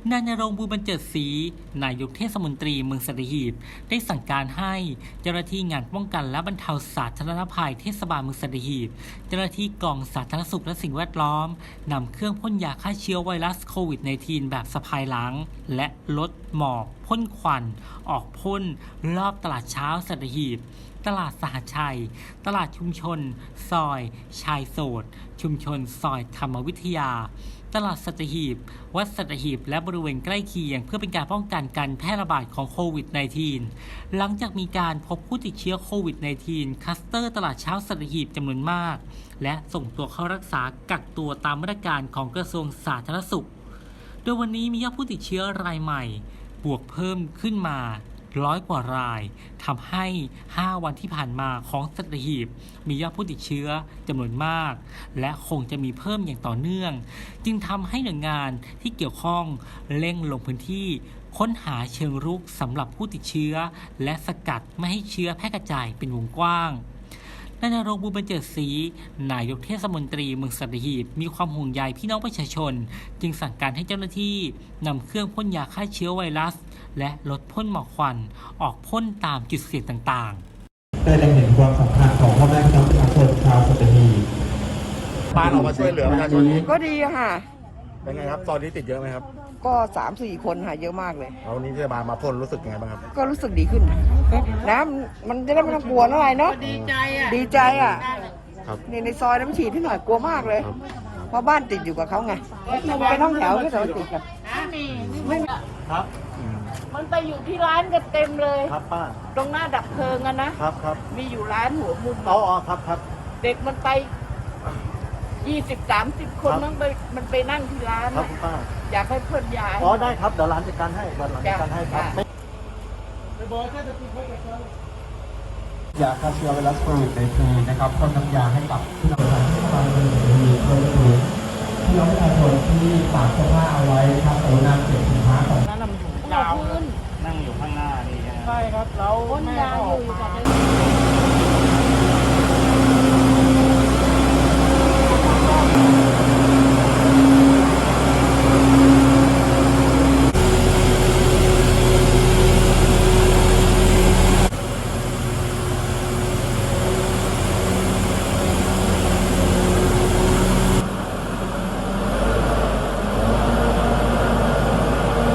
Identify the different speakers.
Speaker 1: นายณรงค์ บุญบรรเจิดศรีนายกเทศมนตรีเมืองสัตหีบได้สั่งการให้เจ้าหน้าที่งานป้องกันและบรรเทาสาธารณภัยเทศบาลเมืองสัตหีบเจ้าหน้าที่กองสาธารณสุขและสิ่งแวดล้อมนำเครื่องพ่นยาฆ่าเชื้อไวรัสโควิด -19 แบบสะพายหลังและลดหมอกพ่นควันออกพ่นรอบตลาดเช้าสัตหีบตลาดสหชัยตลาดชุมชนซอยชายโสดชุมชนซอยธรรมวิทยาตลาดสัตหีบวัดสัตหีบและบริเวณใกล้เคียงเพื่อเป็นการป้องกันการแพร่ระบาดของโควิด -19 หลังจากมีการพบผู้ติดเชื้อโควิด -19 คลัสเตอร์ตลาดเช้าสัตหีบจำนวนมากและส่งตัวเข้ารักษากักตัวตามมาตรการของกระทรวงสาธารณสุขโดยวันนี้มียอดผู้ติดเชื้อรายใหม่บวกเพิ่มขึ้นมา100 กว่ารายทำให้ 5 วันที่ผ่านมาของสัตหีบมียอดผู้ติดเชื้อจำนวนมากและคงจะมีเพิ่มอย่างต่อเนื่องจึงทำให้หน่วยงานที่เกี่ยวข้องเร่งลงพื้นที่ค้นหาเชิงรุกสำหรับผู้ติดเชื้อและสกัดไม่ให้เชื้อแพร่กระจายเป็นวงกว้างนายณรงค์ บุญบรรเจิดศรีนายกเทศมนตรีเมืองสัตหีบมีความห่วงใยพี่น้องประชาชนจึงสั่งการให้เจ้าหน้าที่นำเครื่องพ่นยาฆ่าเชื้อไวรัสและลดพ่นหมอกควันออกพ่นตามจุดเสี่ยงต่าง
Speaker 2: ๆได้เห็นความสำคัญของพ่อแม่พี่น้องประชาชนชาวสัตหีบ
Speaker 3: บ้านออกมาช่วยเหลือประชาชน
Speaker 4: ก็ดีค่ะ
Speaker 3: เป็นไงครับตอนนี้ติดเยอะไหมครับ
Speaker 4: ก็3-4 คนค่ะเยอะมากเลย
Speaker 3: แล้ววันนี้เทศบาลมาพ่นรู้สึกยังไงบ้างครับ
Speaker 4: ก็รู้สึกดีขึ้นน้ำมันจะได้ไม่ต้องกลัวอะไรเนาะดีใจอ่ะในซอยน้ำฉีดที่หน่อยกลัวมากเลยเพราะบ้านติดอยู่กับเขาไงเป็นห้องแถวที่เราติดกัน
Speaker 3: ครับ
Speaker 5: มันไปอยู่ที่ร้านกันเต็มเลย
Speaker 3: ครับป้า
Speaker 5: ตรงหน้าดับเพลิงอะนะครับมีอยู่ร้านหัวมุม
Speaker 3: อ๋อครับ
Speaker 5: เด็กมันไป20-30 คนมันไปนั่งที่ร้าน
Speaker 3: ครับคุณป้า
Speaker 5: อยากให้เพื่อนย้าย
Speaker 3: อ๋อได้ครับเดี๋ยวร้านจัดการให้ร้านจัดการให้ครับ
Speaker 2: ยาฆ่าเชื้อไวรัสโควิด-19 นะครับพ่นน้ำยาให้กับพี่น้องประชาชนพี่น้องประชาชนที่ฝากเสื้อผ้าเอาไว้ครับกรุณาเก็บสินค้าของ
Speaker 5: นั่งอยู่ยาวนั่งอยู่ข้างหน้านี่
Speaker 1: ใช่ครับเรา
Speaker 5: พ่นยาอยู่